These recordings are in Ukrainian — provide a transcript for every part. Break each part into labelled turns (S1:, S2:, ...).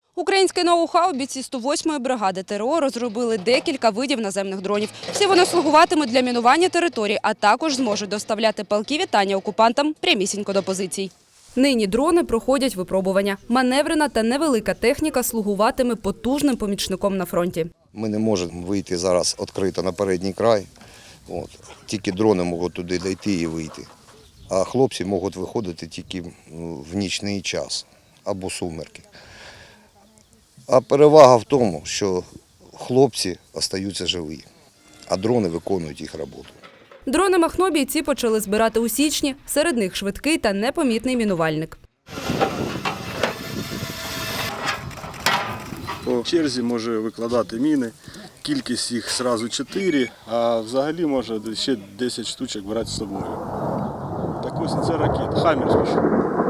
S1: Українське ноу-хау бійці 108-ї бригади ТРО розробили декілька видів наземних дронів. Всі вони слугуватимуть для мінування територій, а також зможуть доставляти палкі вітання окупантам прямісінько до позицій. Нині дрони проходять випробування. Маневрена та невелика техніка слугуватиме потужним помічником на фронті.
S2: Ми не можемо вийти зараз відкрито на передній край. Тільки дрони можуть туди дійти і вийти. А хлопці можуть виходити тільки в нічний час або сумерки. А перевага в тому, що хлопці залишаються живі, а дрони виконують їх роботу.
S1: Дрони Махно бійці почали збирати у січні. Серед них швидкий та непомітний мінувальник.
S3: По черзі може викладати міни, кількість їх одразу 4, а взагалі може ще 10 штучок брати з собою. Так ось це ракета, «Хаммер».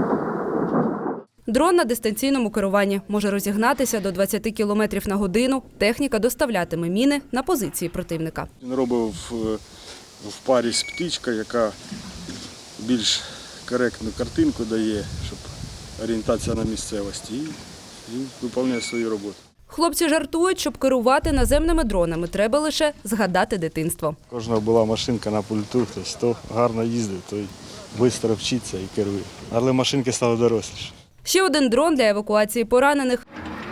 S1: Дрон на дистанційному керуванні може розігнатися до 20 км на годину. Техніка доставлятиме міни на позиції противника.
S3: Він робив в парі з птичкою, яка більш коректну картинку дає, щоб орієнтація на місцевості, і виконує свою роботу.
S1: Хлопці жартують, щоб керувати наземними дронами, треба лише згадати дитинство.
S3: У кожного була машинка на пульту, хто гарно їздив, той швидко вчиться і керує. Але машинки стали доросліші.
S1: Ще один дрон для евакуації поранених.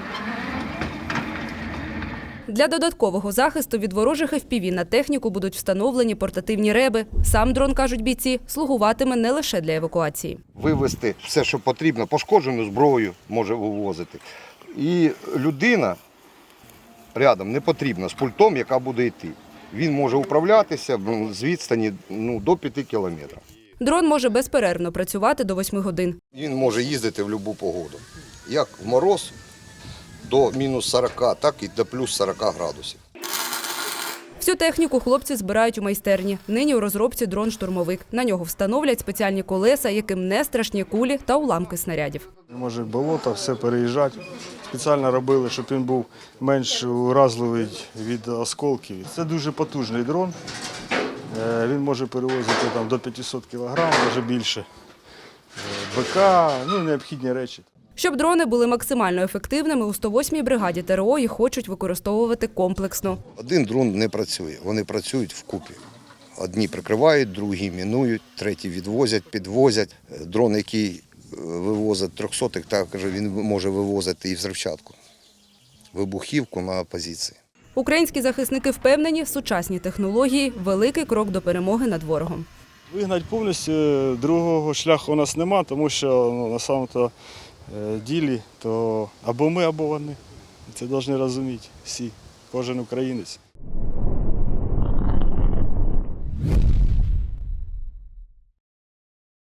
S1: Для додаткового захисту від ворожих FPV на техніку будуть встановлені портативні реби. Сам дрон, кажуть бійці, слугуватиме не лише для евакуації.
S2: Вивезти все, що потрібно, пошкоджену зброю може вивозити. І людина рядом не потрібна з пультом, яка буде йти. Він може управлятися з відстані до 5 кілометрів.
S1: Дрон може безперервно працювати до 8 годин.
S2: Він може їздити в будь-яку погоду. Як в мороз до мінус 40, так і до плюс 40 градусів.
S1: Всю техніку хлопці збирають у майстерні. Нині у розробці дрон-штурмовик. На нього встановлять спеціальні колеса, яким не страшні кулі та уламки снарядів.
S3: Може болото, все переїжджати. Спеціально робили, щоб він був менш уразливий від осколків. Це дуже потужний дрон. Він може перевозити до 500 кг, навіть більше. БК, необхідні речі.
S1: Щоб дрони були максимально ефективними, у 108-й бригаді ТРО їх хочуть використовувати комплексно.
S2: Один дрон не працює, вони працюють вкупі. Одні прикривають, другі мінують, треті відвозять, підвозять. Дрон, який вивозить 300-х, також він може вивозити і взривчатку, вибухівку на позиції.
S1: Українські захисники впевнені, сучасні технології – великий крок до перемоги над ворогом.
S3: Вигнати повністю другого шляху у нас немає, тому що на самому ділі то або ми, або вони. Це повинні розуміти всі, кожен українець.